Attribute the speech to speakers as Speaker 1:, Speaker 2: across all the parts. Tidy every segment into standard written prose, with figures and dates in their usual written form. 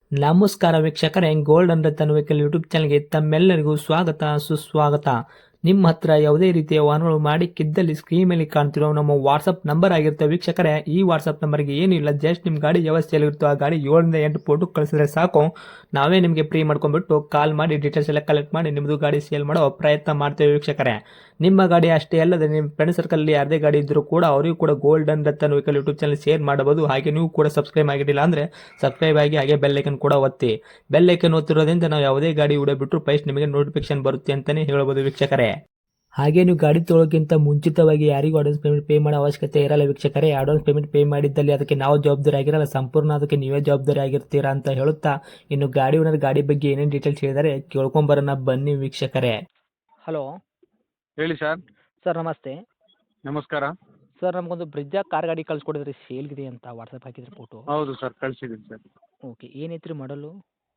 Speaker 1: ನಮಸ್ಕಾರ ವೀಕ್ಷಕರೇ, golden Ratan vehicle YouTube ಚಾನಲ್ಗೆ ತಮ್ಮೆಲ್ಲರಿಗೂ ಸ್ವಾಗತ ಸುಸ್ವಾಗತ. ನಿಮ್ಮ ಹತ್ರ ಯಾವುದೇ ರೀತಿಯ ವಾಹನಗಳು ಮಾಡಿಕ್ಕಿದ್ದಲ್ಲಿ ಸ್ಕ್ರೀನ್ ಮೇಲೆ ಕಾಣ್ತಿರೋ ನಮ್ಮ ವಾಟ್ಸಪ್ ನಂಬರ್ ಆಗಿರುತ್ತೆ ವೀಕ್ಷಕರೇ. ಈ ವಾಟ್ಸಪ್ ನಂಬರ್ಗೆ ಏನಿಲ್ಲ, ಜಸ್ಟ್ ನಿಮ್ಮ ಗಾಡಿ ವ್ಯವಸ್ಥೆಯಲ್ಲಿರುತ್ತೋ ಆ ಗಾಡಿ 7 ರಿಂದ 8 ಫೋಟೋ ಕಳಿಸಿದ್ರೆ ಸಾಕು, ನಾವೇ ನಿಮಗೆ ಫ್ರೀ ಮಾಡ್ಕೊಂಡ್ಬಿಟ್ಟು ಕಾಲ್ ಮಾಡಿ ಡೀಟೇಲ್ಸ್ ಎಲ್ಲ ಕಲೆಕ್ಟ್ ಮಾಡಿ ನಿಮ್ಮದು ಗಾಡಿ ಸೇಲ್ ಮಾಡೋ ಪ್ರಯತ್ನ ಮಾಡ್ತೇವೆ ವೀಕ್ಷಕರೇ. ನಿಮ್ಮ ಗಾಡಿ ಅಷ್ಟೇ ಅಲ್ಲದೆ ನಿಮ್ಮ ಫ್ರೆಂಡ್ ಸರ್ಕಲ್ ಯಾರದೇ ಗಾಡಿ ಇದ್ದರೂ ಕೂಡ ಅವರಿಗೂ ಕೂಡ golden Ratan vehicle YouTube channel share ಮಾಡಬಹುದು. ಹಾಗೆ ನೀವು ಕೂಡ ಸಬ್ಸ್ಕ್ರೈಬ್ ಆಗಿರಲಿಲ್ಲ ಅಂದರೆ ಸಬ್ಸ್ಕ್ರೈಬ್ ಆಗಿ ಹಾಗೆ ಬೆಲ್ ಐಕನ್ ಕೂಡ ಒತ್ತಿ. ಬೆಲ್ ಐಕನ್ ಒತ್ತಿರೋದ್ರಿಂದ ನಾವು ಯಾವುದೇ ಗಾಡಿ ವಿಡಿಯೋ ಬಿಟ್ಟರು ಫಸ್ಟ್ ನಿಮಗೆ ನೋಟಿಫಿಕೇಶನ್ ಬರುತ್ತೆ ಅಂತಲೇ ಹೇಳ್ಬೋದು ವೀಕ್ಷಕರೇ. ಹಾಗೆ ನೀವು ಗಾಡಿ ತೊಳೋಕ್ಕಿಂತ ಮುಂಚಿತವಾಗಿ ಯಾರಿಗೂ ಅಡ್ವಾನ್ಸ್ ಪೇಮೆಂಟ್ ಪೇ ಮಾಡೋ ಅವಶ್ಯಕತೆ ಇರಲ್ಲ ವೀಕ್ಷಕರೇ. ಅಡ್ವಾನ್ಸ್ ಪೇಮೆಂಟ್ ಪೇ ಮಾಡಿದ್ದಲ್ಲಿ ಅದಕ್ಕೆ ನಾವು ಜವಾಬ್ದಾರಿ ಆಗಿರಲ್ಲ, ಸಂಪೂರ್ಣ ಅದಕ್ಕೆ ನೀವೇ ಜವಾಬ್ದಾರಿ ಆಗಿರ್ತೀರಾ ಅಂತ ಹೇಳುತ್ತಾ, ಇನ್ನು ಗಾಡಿ ಓನರ್ ಗಾಡಿ ಬಗ್ಗೆ ಏನೇನು ಡೀಟೇಲ್ಸ್ ಹೇಳಿದರೆ ಕೇಳ್ಕೊಂಬರೋಣ ಬನ್ನಿ ವೀಕ್ಷಕರೇ. ಹಲೋ
Speaker 2: ಹೇಳಿ ಸರ್.
Speaker 1: ಸರ್, ನಮಸ್ತೆ.
Speaker 2: ನಮಸ್ಕಾರ.
Speaker 1: ಸರ್, ನಮಗೊಂದು ಬ್ರಿಜ್ಜಾ ಕಾರ್ ಗಾಡಿ ಕಳ್ಸಿಕೊಡಿದ್ರಿ, ಸೇಲ್ಗಿದೆ ಅಂತ ವಾಟ್ಸಪ್ ಹಾಕಿದ್ರಿ ಫೋಟೋ.
Speaker 2: ಹೌದು ಸರ್, ಕಳಿಸಿದ್ದೀನಿ ಸರ್.
Speaker 1: ಓಕೆ, ಏನೈತ್ರಿ ಮಾಡಲು?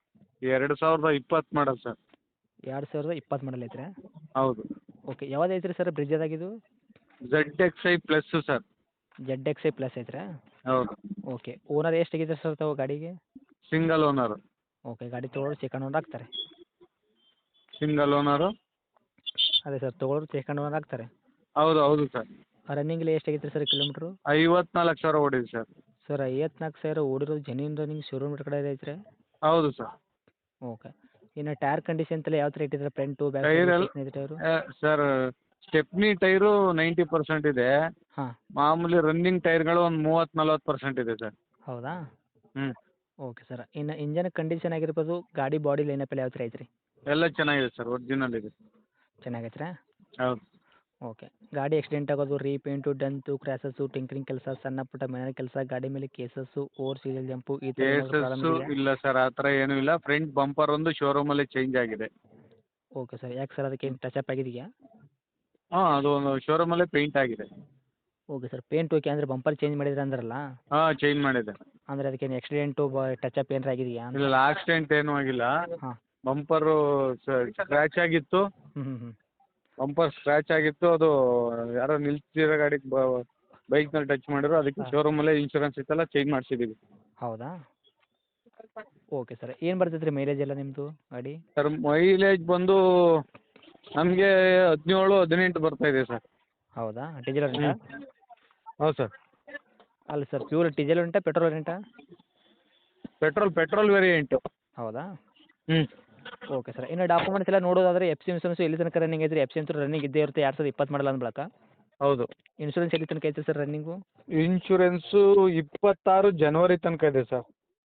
Speaker 2: 2020 ಮಾಡಲ್ ಸರ್.
Speaker 1: 2020 ಮಾಡಲ್ ಐತ್ರಿ?
Speaker 2: ಹೌದು.
Speaker 1: ಓಕೆ, ಯಾವ್ದು ಐತ್ರಿ ಸರ್ ಬ್ರಿಜ್ಜಾದಾಗಿದು?
Speaker 2: ZXi plus sir.
Speaker 1: ZXi plus ಐತ್ರಾ?
Speaker 2: ಹೌದು.
Speaker 1: ಓಕೆ, ಓನರ್ ಎಷ್ಟಾಗಿದ್ದಾರೆ ಸರ್ ತಾವು ಗಾಡಿಗೆ?
Speaker 2: Single owner.
Speaker 1: ಓಕೆ, ಗಾಡಿ ತೊಗೊಳೋರು ಸೆಕೆಂಡ್ ಓನರ್ ಆಗ್ತಾರೆ?
Speaker 2: Single owner.
Speaker 1: ಅದೇ ಸರ್, ತೊಗೊಳೋರು ಸೆಕೆಂಡ್ ಓನರ್ ಆಗ್ತಾರೆ?
Speaker 2: ಹೌದು ಹೌದು ಸರ್.
Speaker 1: ರನ್ನಿಂಗಲ್ಲಿ ಎಷ್ಟಾಗೈತೆ ಸರ್ ಕಿಲೋಮೀಟ್ರು?
Speaker 2: 54,000 ಓಡಿದೆ ಸರ್.
Speaker 1: ಸರ್, 54,000 ಓಡಿರೋದು ಜೆನ್ಯೂನ್ ರನ್ನಿಂಗ್ ಶೋರೂಮ್ ಕಡೆ ಐತ್ರಿ?
Speaker 2: ಹೌದು ಸರ್.
Speaker 1: ಓಕೆ, ಇನ್ನು ಟೈರ್ ಕಂಡೀಷನ್ ಎಲ್ಲ ಯಾವ ಥರ ಇಟ್ಟಿದ್ದಾರೆ? Front back
Speaker 2: tyre
Speaker 1: tyre?
Speaker 2: Sir, stepney tyre 90% ಇದೆ.
Speaker 1: ಹಾಂ.
Speaker 2: ಮಾಮೂಲಿ ರನ್ನಿಂಗ್ ಟೈರ್ಗಳು ಒಂದು 30-40% ಇದೆ ಸರ್.
Speaker 1: ಹೌದಾ?
Speaker 2: ಹ್ಞೂ.
Speaker 1: ಓಕೆ ಸರ್, ಇನ್ನು ಇಂಜನ್ ಕಂಡೀಷನ್ ಆಗಿರ್ಬೋದು, ಗಾಡಿ ಬಾಡಿ ಲೈನಪ್ ಎಲ್ಲ ಯಾವ ಥರ ಐತ್ರಿ?
Speaker 2: ಎಲ್ಲ ಚೆನ್ನಾಗಿದೆ ಸರ್, ಒರಿಜಿನಲ್ ಇದೆ.
Speaker 1: ಚೆನ್ನಾಗೈತ್ರಾ?
Speaker 2: ಹೌದು.
Speaker 1: ಓಕೆ, ಗಾಡಿ ಆಕ್ಸಿಡೆಂಟ್ ಆಗೋದು, ರೀಪೇಂಟು, ಡಂತು, ಕ್ರ್ಯಾಸಸ್ಸು, ಟಿಂಕರಿಂಗ್ ಕೆಲಸ, ಸಣ್ಣ ಪುಟ್ಟ ಮನೆ ಕೆಲಸ, ಗಾಡಿ ಮೇಲೆ ಕೇಸಸ್ಸು, ಓವರ್ ಸೀರಿಯಲ್ ಜಂಪು, ಈ ಥರ ಏನಾದರೂ ಪ್ರಾಬ್ಲಮ್
Speaker 2: ಕೇಸಸ್ಸು
Speaker 1: ಇದೆಯಾ?
Speaker 2: ಇಲ್ಲ ಸರ್, ಆ ಥರ ಏನೂ ಇಲ್ಲ. ಫ್ರಂಟ್ ಬಂಪರ್ ಒಂದು ಶೋರೂಮಲ್ಲೇ ಚೇಂಜ್ ಆಗಿದೆ.
Speaker 1: ಓಕೆ ಸರ್, ಯಾಕೆ ಸರ್ ಅದಕ್ಕೆ ಟಚ್ ಅಪ್ ಆಗಿದೆಯಾ?
Speaker 2: ಹಾಂ, ಅದು ಒಂದು ಶೋರೂಮಲ್ಲೇ ಪೇಂಟ್ ಆಗಿದೆ.
Speaker 1: ಓಕೆ ಸರ್, ಪೇಂಟ್ ಓಕೆ, ಅಂದರೆ ಬಂಪರ್ ಚೇಂಜ್ ಮಾಡಿದ್ರೆ ಅಂದ್ರಲ್ಲ,
Speaker 2: ಹಾಂ, ಚೇಂಜ್ ಮಾಡಿದೆ.
Speaker 1: ಅಂದರೆ ಅದಕ್ಕೇನು ಆಕ್ಸಿಡೆಂಟು ಟಚ್ ಅಪ್ ಏನಾರ ಆಗಿದೆಯಾ ಅಂತ?
Speaker 2: ಇಲ್ಲ, ಆಕ್ಸಿಡೆಂಟ್ ಏನೂ ಆಗಿಲ್ಲ.
Speaker 1: ಹಾಂ.
Speaker 2: ಬಂಪರು ಸ್ಕ್ರ್ಯಾಚ್ ಆಗಿತ್ತು.
Speaker 1: ಹ್ಞೂ ಹ್ಞೂ ಹ್ಞೂ.
Speaker 2: ಬಂಪರ್ ಸ್ಕ್ರ್ಯಾಚ್ ಆಗಿತ್ತು. ಅದು ಯಾರೋ ನಿಲ್ಸಿರೋ ಗಾಡಿಗೆ ಬೈಕ್ನಲ್ಲಿ ಟಚ್ ಮಾಡಿದ್ರು. ಅದಕ್ಕೆ ಶೋರೂಮಲ್ಲೇ ಇನ್ಶೂರೆನ್ಸ್ ಇತ್ತಲ್ಲ, ಚೇಂಜ್ ಮಾಡಿಸಿದ್ದೀವಿ.
Speaker 1: ಹೌದಾ? ಓಕೆ ಸರ್, ಏನು ಬರ್ತೈತೆ ರೀ ಮೈಲೇಜ್ ಎಲ್ಲ ನಿಮ್ಮದು ಗಾಡಿ?
Speaker 2: ಸರ್, ಮೈಲೇಜ್ ಬಂದು ನಮಗೆ 17-18 ಬರ್ತಾ ಇದೆ ಸರ್.
Speaker 1: ಹೌದಾ? ಡೀಸೆಲ್ ರೆಂಟಾ?
Speaker 2: ಹೌದು ಸರ್.
Speaker 1: ಅಲ್ಲ ಸರ್, ಪ್ಯೂರ್ ಡೀಸೆಲ್ ರೆಂಟಾ ಪೆಟ್ರೋಲ್ ರೆಂಟಾ?
Speaker 2: Petrol variant.
Speaker 1: ಹೌದಾ?
Speaker 2: ಹ್ಞೂ.
Speaker 1: ಓಕೆ ಸರ್, ಇನ್ನು ಡಾಕ್ಯುಮೆಂಟ್ಸ್ ಎಲ್ಲ ನೋಡೋದಾದ್ರೆ ಎಫ್ ಸಿ ಇನ್ಸೂರೆನ್ಸ್ ಎಲ್ಲಿ ತನಕ ರನ್ನಿಂಗ್ ಐತ್ರಿ? ಎಫ್ ಸಿ ಅಂತೂ ರನ್ನಿಂಗ್ ಇದ್ದೇ ಇರುತ್ತೆ 2020 ಮಾಡಲ್ಲ ಅಂದ ಬಳಿಕ.
Speaker 2: ಹೌದು.
Speaker 1: ಇನ್ಸೂರೆನ್ಸ್ ಎಲ್ಲಿ ತನಕ ಐತ್ರಿ ಸರ್ ರನ್ನಿಂಗು?
Speaker 2: ಇನ್ಶೂರೆನ್ಸು 26 ಜನವರಿ ತನಕ ಇದೆ ಸರ್.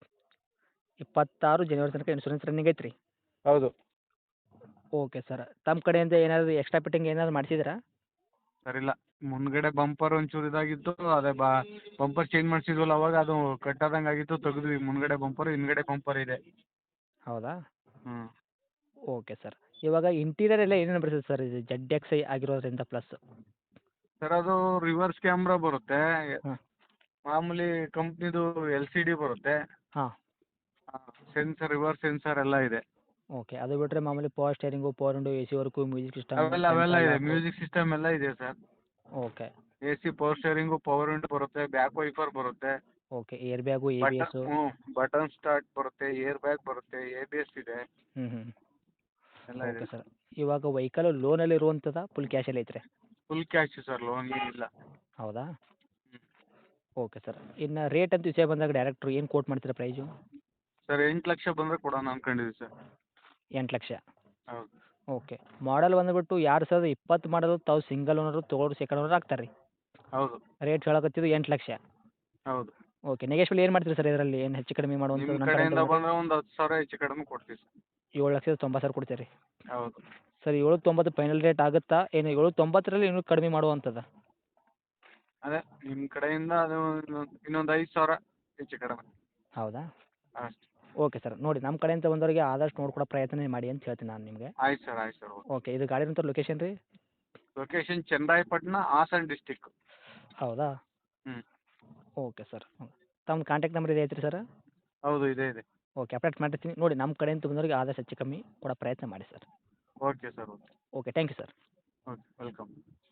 Speaker 1: 26 ಜನವರಿ ತನಕ ಇನ್ಸೂರೆನ್ಸ್ ರನ್ನಿಂಗ್ ಐತ್ರಿ?
Speaker 2: ಹೌದು.
Speaker 1: ಓಕೆ ಸರ್, ತಮ್ಮ ಕಡೆಯಿಂದ ಏನಾದರೂ ಎಕ್ಸ್ಟ್ರಾ ಫಿಟ್ಟಿಂಗ್ ಏನಾದ್ರು ಮಾಡಿಸಿದ್ರಾ?
Speaker 2: ಸರ್, ಇಲ್ಲ. ಮುಂದ್ಗಡೆ ಬಂಪರ್ ಒಂಚೂರು ಇದಾಗಿತ್ತು. ಅದೇ ಬಂಪರ್ ಚೇಂಜ್ ಮಾಡಿಸಿದ್ವಲ್ಲ, ಅವಾಗ ಅದು ಕಟ್ಟಾದಂಗೆ ಆಗಿತ್ತು, ತೆಗೆದ್ವಿ. ಮುಂದ್ಗಡೆ ಬಂಪರ್, ಹಿಂದ್ಗಡೆ ಬಂಪರ್ ಇದೆ.
Speaker 1: ಹೌದಾ?
Speaker 2: ಹ್ಞೂ.
Speaker 1: ಓಕೆ ಸರ್, ಇವಾಗ ಇಂಟೀರಿಯರ್ ಎಲ್ಲ ಏನೇನು ಬರ್ತದೆ ಸರ್ ಇದು ZXi ಆಗಿರೋದ್ರಿಂದ ಪ್ಲಸ್?
Speaker 2: ಸರ್, ಅದು ರಿವರ್ಸ್ ಕ್ಯಾಮ್ರಾ ಬರುತ್ತೆ.
Speaker 1: ಹಾಂ.
Speaker 2: ಮಾಮೂಲಿ ಕಂಪ್ನಿದು LCD ಬರುತ್ತೆ.
Speaker 1: ಹಾಂ.
Speaker 2: ಸೆನ್ಸರ್, ರಿವರ್ಸ್ ಸೆನ್ಸರ್ ಎಲ್ಲ ಇದೆ.
Speaker 1: ಓಕೆ, ಅದು ಬಿಟ್ಟರೆ ಮಾಮೂಲಿ power steering, power window, AC work, music system,
Speaker 2: ಅವೆಲ್ಲ ಇದೆ. ಮ್ಯೂಸಿಕ್ ಸಿಸ್ಟಮ್ ಎಲ್ಲ ಇದೆ sir.
Speaker 1: Okay.
Speaker 2: AC, power steering, power window ಬರುತ್ತೆ, ಬ್ಯಾಕ್ ವೈಫರ್ ಬರುತ್ತೆ.
Speaker 1: Okay, air bag, ABS.
Speaker 2: Button start ಬರುತ್ತೆ, ಏರ್ ಬ್ಯಾಗ್ ಬರುತ್ತೆ, ABS ಇದೆ.
Speaker 1: ಹ್ಞೂ ಹ್ಞೂ.
Speaker 2: ಎಲ್ಲ ಇದೆ.
Speaker 1: ಓಕೆ ಸರ್, ಇವಾಗ ವೆಹಿಕಲ್ ಲೋನಲ್ಲಿ ಇರುವಂಥದ್ದಾ ಫುಲ್ ಕ್ಯಾಶಲ್ಲಿ ಐತ್ರಿ?
Speaker 2: ಫುಲ್ ಕ್ಯಾಶ್ ಸರ್, ಲೋನ್ ಏನಿಲ್ಲ.
Speaker 1: ಹೌದಾ?
Speaker 2: ಹ್ಞೂ.
Speaker 1: ಓಕೆ ಸರ್, ಇನ್ನು ರೇಟ್ ಅಂತ ವಿಷಯ ಬಂದಾಗ ಡೈರೆಕ್ಟ್ರು ಏನು ಕೋಟ್ ಮಾಡ್ತೀರಾ ಪ್ರೈಸು?
Speaker 2: ಸರ್, 8 ಲಕ್ಷ ಬಂದರೆ ಕೊಡೋಣ ಅನ್ಕೊಂಡಿದ್ದೀವಿ ಸರ್.
Speaker 1: 8 ಲಕ್ಷ?
Speaker 2: ಹೌದು.
Speaker 1: ಓಕೆ, ಮಾಡಲ್ ಬಂದುಬಿಟ್ಟು 2020 ಮಾಡಲು, ತಾವು ಸಿಂಗಲ್ ಓನರು, ತೊಗೊಳೋರು ಸೆಕೆಂಡ್ ಓನರ್ ಆಗ್ತಾರೆ ರೀ?
Speaker 2: ಹೌದು.
Speaker 1: ರೇಟ್ ಹೇಳಕತ್ತಿದ್ದು 8 ಲಕ್ಷ?
Speaker 2: ಹೌದು.
Speaker 1: ಓಕೆ, ನೆಗೆಶ್ವಲ್ ಏನು ಮಾಡ್ತೀರಿ ಸರ್ ಇದರಲ್ಲಿ? ಏನು ಹೆಚ್ಚು ಕಡಿಮೆ ಮಾಡುವಂಥದ್ದು?
Speaker 2: ನಿಮ್ಮ
Speaker 1: ನಮ್ಮ
Speaker 2: ಕಡೆಯಿಂದ
Speaker 1: ಕಡೆಯಿಂದ
Speaker 2: ಬಂದರೆ ಒಂದು 10,000 ಹೆಚ್ಚು ಕಡಿಮೆ ಕೊಡ್ತೀವಿ ಸರ್.
Speaker 1: 7,90,000 ಕೊಡ್ತೀರಿ ರೀ?
Speaker 2: ಹೌದು.
Speaker 1: ಸರ್, 7,90 ಫೈನಲ್ ರೇಟ್ ಆಗುತ್ತಾ ಏನು? 7,90ರಲ್ಲಿ ಇನ್ನೂ ಕಡಿಮೆ ಮಾಡುವಂಥದ್ದು?
Speaker 2: ಅದೇ ನಿಮ್ಮ ಕಡೆಯಿಂದ ಅದು ಇನ್ನೊಂದು 5,000 ಹೆಚ್ಚು ಕಡಿಮೆ.
Speaker 1: ಹೌದಾ?
Speaker 2: ಅಷ್ಟೇ.
Speaker 1: ಓಕೆ ಸರ್, ನೋಡಿ ನಮ್ಮ ಕಡೆಯಿಂದ ಬಂದವರಿಗೆ ಆದಷ್ಟು ನೋಡ್ಕೊಡೋ ಪ್ರಯತ್ನ ಮಾಡಿ ಅಂತ ಹೇಳ್ತೀನಿ ನಾನು ನಿಮಗೆ.
Speaker 2: ಆಯ್ತು ಸರ್, ಆಯ್ತು ಸರ್.
Speaker 1: ಓಕೆ, ಇದು ಗಾಡಿ ಇರೋಂಥ ಲೊಕೇಶನ್ ರೀ?
Speaker 2: Location Channarayapatna, Hassan district.
Speaker 1: ಹೌದಾ?
Speaker 2: ಹ್ಞೂ.
Speaker 1: ಓಕೆ ಸರ್, ತಮ್ಮ ಕಾಂಟ್ಯಾಕ್ಟ್ ನಂಬರ್ ಇದೆ ಐತ್ರಿ ಸರ್?
Speaker 2: ಹೌದು, ಇದೆ ಇದೆ.
Speaker 1: ಓಕೆ, ಅಪ್ಡೇಟ್ ಮಾಡಿರ್ತೀನಿ ನೋಡಿ. ನಮ್ಮ ಕಡೆಯಿಂದ ಬಂದವರಿಗೆ ಆದಷ್ಟು ಹೆಚ್ಚು ಕಮ್ಮಿ ಕೊಡೋ ಪ್ರಯತ್ನ ಮಾಡಿ sir.
Speaker 2: Okay sir. Okay.
Speaker 1: Okay, thank you sir.
Speaker 2: Okay, welcome.